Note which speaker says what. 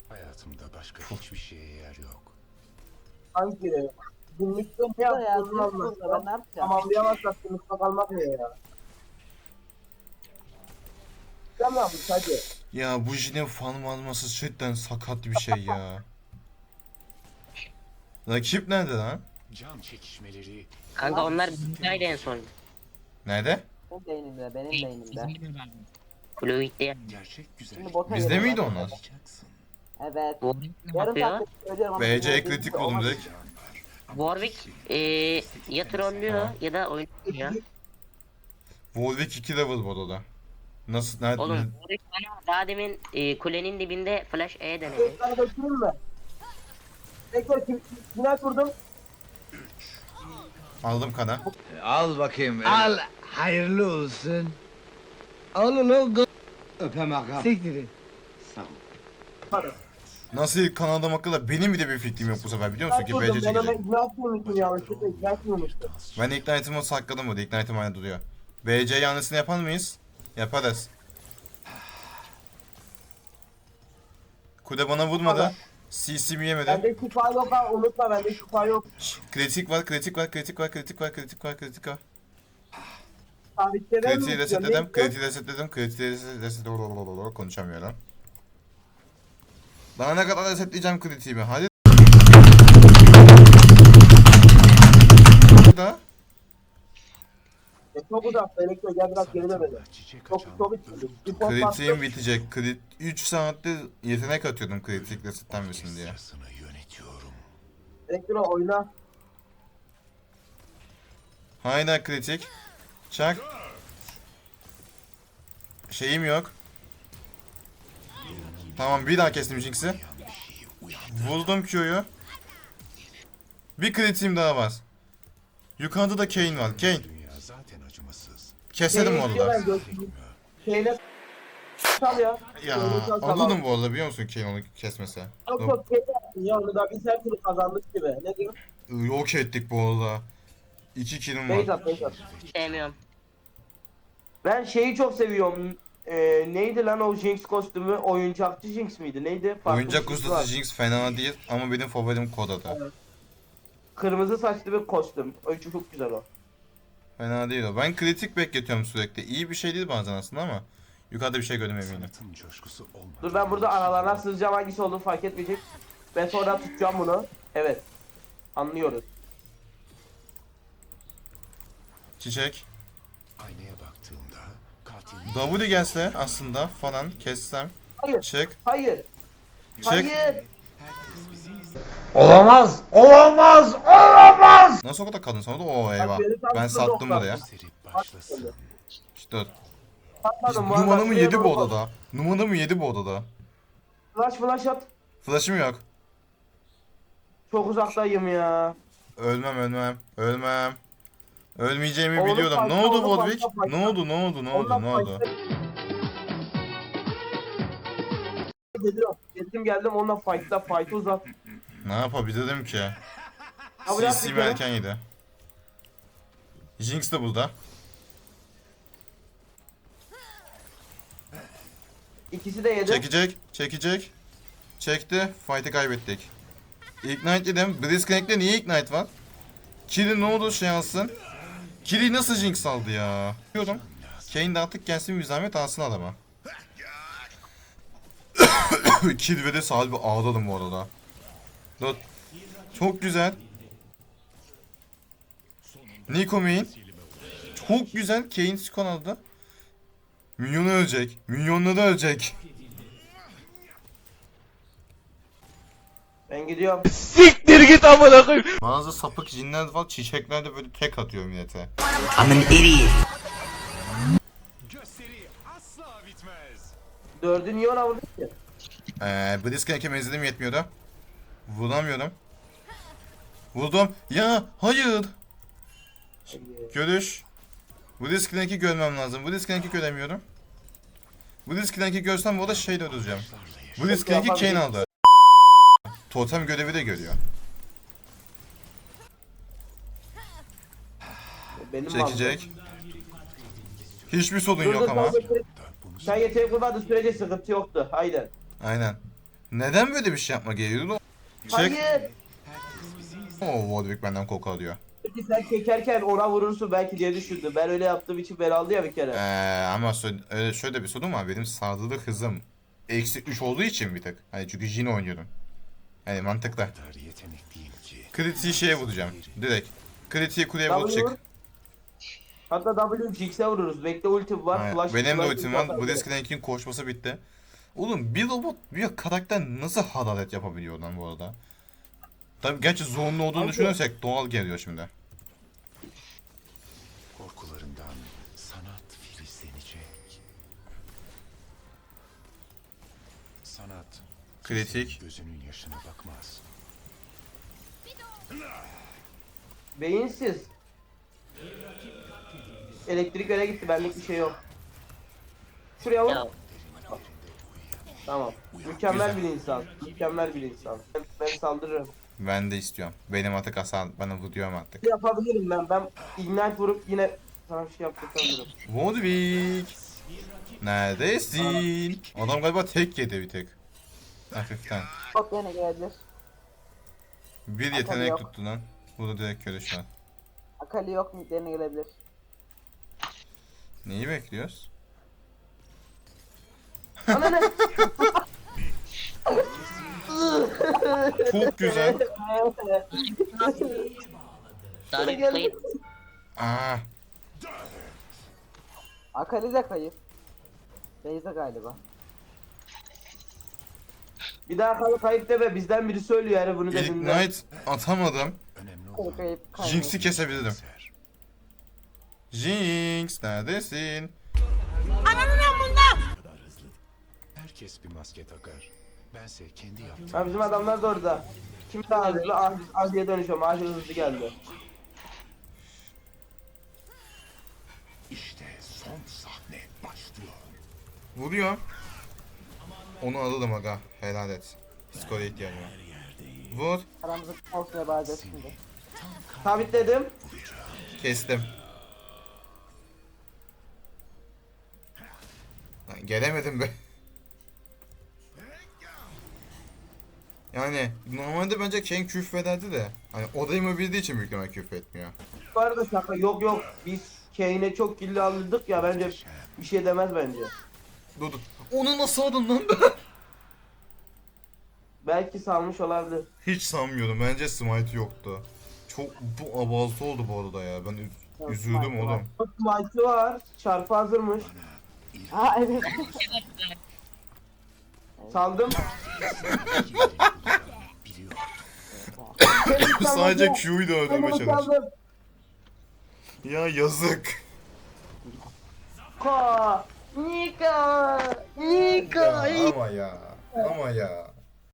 Speaker 1: Hayatımda başka hiçbir şeye yer yok.
Speaker 2: Hangi? Günlükte ne
Speaker 3: Ya
Speaker 2: yaptığını
Speaker 3: burada ben ne
Speaker 2: anlatsam.
Speaker 3: yapacağım?
Speaker 2: Tamamlayamazsak sınıfta kalmak ne ya? Tamam hadi.
Speaker 4: Ya bu Jin'in fan alması cidden sakat bir şey ya. Rakip nerede lan?
Speaker 1: Can çekişmeleri
Speaker 5: Kanka onlar bizdeydi en son.
Speaker 4: Nerede?
Speaker 3: Benim beynimde, benim beynimde.
Speaker 5: Fluid'de
Speaker 1: gerçek güzellik.
Speaker 3: Şimdi bota
Speaker 4: Bizde
Speaker 3: geliyor
Speaker 4: miydi
Speaker 3: bak.
Speaker 4: onlar?
Speaker 1: Alacaksın.
Speaker 3: Evet.
Speaker 5: Warwick
Speaker 3: Yarım
Speaker 5: bakıyor.
Speaker 3: saattir söylüyorum ama
Speaker 4: BC
Speaker 3: dinlediğim
Speaker 4: kritik
Speaker 3: gibi
Speaker 4: buldum
Speaker 3: olmadı.
Speaker 4: direkt.
Speaker 5: Warwick ya trollüyor
Speaker 4: Tamam.
Speaker 5: ya da oynuyor.
Speaker 4: Warwick 2 level bu odada. Nasıl? Nerede?
Speaker 5: Oğlum Warwick bana daha demin kulenin dibinde flash E denedi.
Speaker 2: Tekrar götüreyim mi? Tekrar final kurdum.
Speaker 4: Aldım kana.
Speaker 6: Al bakayım. Al. Hayırlı olsun. Al ulan. Öpem ağam. Siktirin.
Speaker 2: Hadi.
Speaker 4: Nasıl ilk kan adam hakkında benim bir de bir fikrim yok bu sefer biliyor musun ki BC
Speaker 2: Ben ona
Speaker 4: çekecek.
Speaker 2: ikna etmiyormuşum yanlışlıkla ikna etmiyormuşum.
Speaker 4: Ben Ignite'ımı sakladım burada. Ignite'ım hala duruyor. BC yanlısını yapar mıyız? Yaparız. Kude bana vurmadı. CC'mi yemedi.
Speaker 2: Bende şifa yok ha unutma bende şifa yok.
Speaker 4: Kritik var, kritik var, kritik var, kritik var, kritik var, kritik var.
Speaker 2: Sabitlerim
Speaker 4: Kritiği resetledim, kritiği resetledim, kritiği resetledim. Konuşamıyorum. Daha ne kadar resetleyeceğim kritiğimi? Hadi. Daha.
Speaker 2: Çok uzak elektro gel biraz geri dön beni.
Speaker 1: Çiçek
Speaker 2: Çok
Speaker 1: açan
Speaker 2: çok
Speaker 1: ölüm
Speaker 2: spor
Speaker 4: Kritiğim
Speaker 2: bastım.
Speaker 4: bitecek. 3 saatte yetenek atıyordum kritik resetlenmesin diye.
Speaker 1: orkestrasını yönetiyorum.
Speaker 2: Elektro oyna.
Speaker 4: Hala kritik. Çak. Şeyim yok. Tamam bir daha kestim Jinx'i. Vurdum Q'yu. Bir kritiğim daha var. Yukarıda da Kayn var. Kayn.
Speaker 1: Dünya zaten acımasız.
Speaker 4: Keselim orada.
Speaker 2: Şeyine sal ya.
Speaker 4: Ya
Speaker 2: Şeyine sal, tamam.
Speaker 4: alırdım bu arada biliyor musun Kayn onu kesmese.
Speaker 2: Çok çok şey yaptın ya onu da biz her türlü kazandık gibi. Ne diyorsun?
Speaker 4: Yok ettik bu arada. 2 killim
Speaker 2: Beyz
Speaker 4: var.
Speaker 2: at beyz at.
Speaker 5: Sevmiyorum.
Speaker 2: Ben şeyi çok seviyorum. Neydi lan o Jinx kostümü? Oyuncakçı Jinx miydi? Neydi? Farklı
Speaker 4: Oyuncak
Speaker 2: bir şey
Speaker 4: ustası
Speaker 2: var.
Speaker 4: Jinx fena değil ama benim favorim Koda'da.
Speaker 2: Kırmızı saçlı bir kostüm. Oyuncu çok güzel o.
Speaker 4: Fena değil o. Ben kritik bekletiyorum sürekli. İyi bir şey değil bazen aslında ama yukarıda bir şey görmem eminim.
Speaker 1: Sanatın coşkusu olmadan.
Speaker 2: Dur ben burada aralarına sızacağım hangisi olduğunu fark etmeyecek. Ben sonra tutacağım bunu. Evet. Anlıyoruz.
Speaker 4: Çiçek.
Speaker 1: Aynaya baktığımda katil
Speaker 4: W gelse aslında falan kessem.
Speaker 2: Hayır.
Speaker 4: Çık.
Speaker 2: Hayır.
Speaker 4: Çık.
Speaker 2: Hayır.
Speaker 6: Olamaz. Olamaz. Olamaz.
Speaker 4: Nasıl o kadar kadın sonra da o eyvah.
Speaker 2: beni tam
Speaker 4: Ben
Speaker 2: şurada
Speaker 4: sattım
Speaker 2: doktor.
Speaker 4: buraya.
Speaker 1: seri başlasın.
Speaker 4: İşte
Speaker 2: Patladım bu arada.
Speaker 4: numaramı
Speaker 2: Şuraya
Speaker 4: yedi bu
Speaker 2: doğru
Speaker 4: odada. Numaramı yedi bu odada.
Speaker 2: Flash at.
Speaker 4: Flash'ım yok.
Speaker 2: Çok uzaktayım ya.
Speaker 4: Ölmem. Ölmeyeceğimi
Speaker 2: Oğlum
Speaker 4: biliyordum. Ne
Speaker 2: fight'ta,
Speaker 4: oldu
Speaker 2: oğlum
Speaker 4: Warwick?
Speaker 2: fight'ta,
Speaker 4: Ne oldu? Ne oldu? Ne oldu?
Speaker 2: Ondan
Speaker 4: Ne oldu?
Speaker 2: Geldim onunla fight uzat.
Speaker 4: Ne yapabilirim ki?
Speaker 2: Kabul et bir
Speaker 4: CC'mi
Speaker 2: kere.
Speaker 4: erken yedi. Jinx de burada.
Speaker 2: İkisi de yedi.
Speaker 4: Çekecek. Çekti. Fight'ı kaybettik. Ignite dedim. Blitzcrank'te niye Ignite var? Kill'i ne oldu şey alsın? Kill'i nasıl Jinx aldı ya? Diyorum. Kayn de artık gelsin bir zahmet alsın adama. Kill ve de sahibi ağladım bu arada. Dur. Çok güzel. Nico main. Çok güzel. Kayn skon aldı. Minyonu ölecek. Minyonları ölecek.
Speaker 2: Ben gidiyorum.
Speaker 6: Siktir git amına koyayım.
Speaker 4: Bazı sapık jinler var çiçekler de böyle tek atıyor millete.
Speaker 1: Gösteri asla bitmez.
Speaker 2: Dördü niye ona vurdun ki?
Speaker 4: Blitzcrank'e menzilim yetmiyordu. Vuramıyorum. Vurdum. Ya hayır. Görüş. Blitzcrank'i görmem lazım. Blitzcrank'i göremiyorum. Blitzcrank'i görsem bu arada şey de öldüreceğim. Blitzcrank'i Kayn aldı. Totem görevi de görüyor.
Speaker 2: Benim
Speaker 4: Çekecek. Hiçbir sorun
Speaker 2: Dur,
Speaker 4: yok
Speaker 2: dur,
Speaker 4: ama.
Speaker 2: dur, dur. Sen yeteneği kurmadığın sürece sıkıntı yoktu. Haydi.
Speaker 4: Aynen. Neden böyle bir şey yapma gerekiyordu? Çek.
Speaker 2: Hayır.
Speaker 4: Oo, Warwick benden koku alıyor.
Speaker 2: Peki sen çekerken ona vurursun belki diye düşündüm. Ben öyle yaptığım için ben aldı ya bir kere.
Speaker 4: Ama öyle şöyle bir sorun var. Benim saldırı hızım -3 olduğu için bir tık. Hani çünkü Jhin oynuyorum. Hani mantıklı.
Speaker 1: O kadar yetenekliyim ki.
Speaker 4: Kritiği şeye vuracağım. Direkt. Kritiği kuleye vur
Speaker 2: W vur.
Speaker 4: çık.
Speaker 2: Hatta W Jinx'e vururuz. Bekle ultim var.
Speaker 4: Aynen.
Speaker 2: Flash,
Speaker 4: Benim de
Speaker 2: flash
Speaker 4: ultim var.
Speaker 2: atar.
Speaker 4: Blitzcrank'in koşması bitti. Oğlum bir robot bir karakter nasıl hararet yapabiliyor lan bu arada? Tabii gerçi zorunlu olduğunu
Speaker 2: Abi-
Speaker 4: düşünürsek doğal geliyor şimdi.
Speaker 1: Korkularından sanat filizlenecek. Sanat
Speaker 4: Kritik.
Speaker 1: kimsenin gözünün yaşına bakmaz.
Speaker 2: Beyinsiz. Elektrik öne gitti. Benlik bir şey yok. Şuraya vur.
Speaker 5: Ya
Speaker 2: Tamam. Mükemmel bir insan. Mükemmel bir insan. Ben saldırırım.
Speaker 4: Ben de istiyorum. Benim artık hasar bana vuruyorum artık.
Speaker 2: Yapabilirim ben. Ben ignite vurup yine sana bir şey yaptırabilirim.
Speaker 4: Warwick. Neredesin? Adam galiba tek yedi bir tek. Hafiften.
Speaker 3: Çok yine gelebilir.
Speaker 4: Bir
Speaker 3: Akali
Speaker 4: yetenek
Speaker 3: yok.
Speaker 4: tuttu lan. Burada direkt köre şu an.
Speaker 3: Akali yok mu? Yerine gelebilir.
Speaker 4: Neyi bekliyoruz?
Speaker 2: Ana ne?
Speaker 4: Çok güzel.
Speaker 5: Dark kayıp.
Speaker 4: Aa,
Speaker 3: Akali de kayıp. Beyza galiba.
Speaker 2: Bir daha kayıp deme. Bizden biri söylüyor yani bunu dediğinde.
Speaker 4: Ignite atamadım.
Speaker 1: Önemli
Speaker 3: Kayıp
Speaker 1: olan
Speaker 3: kayıp kayıp.
Speaker 4: Jinx'i kesebilirim.
Speaker 1: ser.
Speaker 4: Jinx neredesin?
Speaker 1: Herkes bir maske takar. Bense kendi yaptığım.
Speaker 2: Ha bizim adamlar da orada. Kim daha hızlı? Azi'ye dönüşüyorum. Azi hızlı geldi.
Speaker 1: İşte son sahne başlıyor.
Speaker 4: Vuruyor. Onu alırım aga. Helal et. Skora ihtiyacım var. Vur.
Speaker 3: Aramızda olsun ibadet şimdi.
Speaker 2: Sabitledim.
Speaker 4: Kestim. Lan gelemedim be. Yani normalde bence Ken küfrederdi de. Hani odayımı bildiği için büyük ihtimal küfretmiyor.
Speaker 2: Bu arada şaka yok yok. Biz Kane'e çok killi aldık ya bence bir şey demez bence.
Speaker 4: Dur dur. Onu nasıl aldın lan?
Speaker 2: Belki salmış olabilir.
Speaker 4: Hiç sanmıyorum. Bence smite yoktu. Çok bu abartı oldu bu arada ya. Ben üzüldüm oğlum.
Speaker 2: Smite'ı var. Çarpı hazırmış.
Speaker 3: Ha evet.
Speaker 2: Saldım.
Speaker 1: Biliyor.
Speaker 4: Sadece Q'yu da öldürmeye çalış.
Speaker 2: Saldım.
Speaker 4: Ya yazık.
Speaker 2: Nika. Nika. Nika.
Speaker 4: Ama ya. Ama ya.